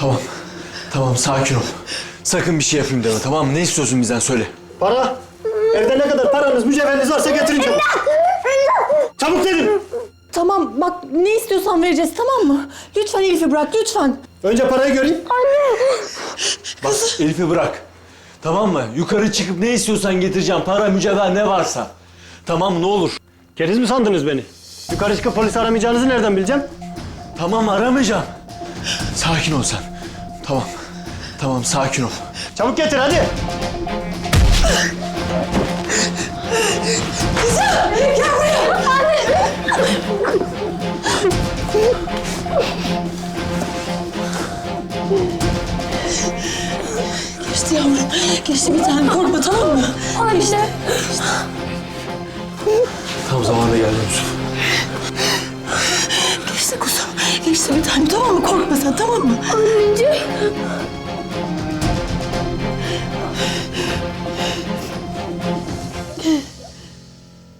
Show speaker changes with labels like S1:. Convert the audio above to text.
S1: Tamam. Tamam sakin ol. Sakın bir şey yapayım deme, tamam mı? Ne istiyorsun bizden, söyle.
S2: Para. Evde ne kadar paranız, mücevheriniz varsa getirin çabuk. Çabuk dedim.
S3: Tamam bak, ne istiyorsan vereceğiz, tamam mı? Lütfen Elif'i bırak, lütfen.
S2: Önce parayı göreyim.
S1: Bak Elif'i bırak. Tamam mı? Yukarı çıkıp ne istiyorsan getireceğim. Para, mücevher ne varsa. Tamam mı? Ne olur.
S2: Keriz mi sandınız beni? Yukarı çıkıp polisi aramayacağınızı nereden bileceğim?
S1: Tamam, aramayacağım. Sakin ol sen. Tamam. Tamam, sakin ol.
S2: Çabuk getir hadi.
S3: Geçti yavrum, geçti bir tane, korkma tamam mı? Anne.
S1: Tam zamanında geldin Yusuf.
S3: Geçti kuzum, geçti bir tane, tamam mı? Korkma sen, tamam mı?
S4: Anneciğim.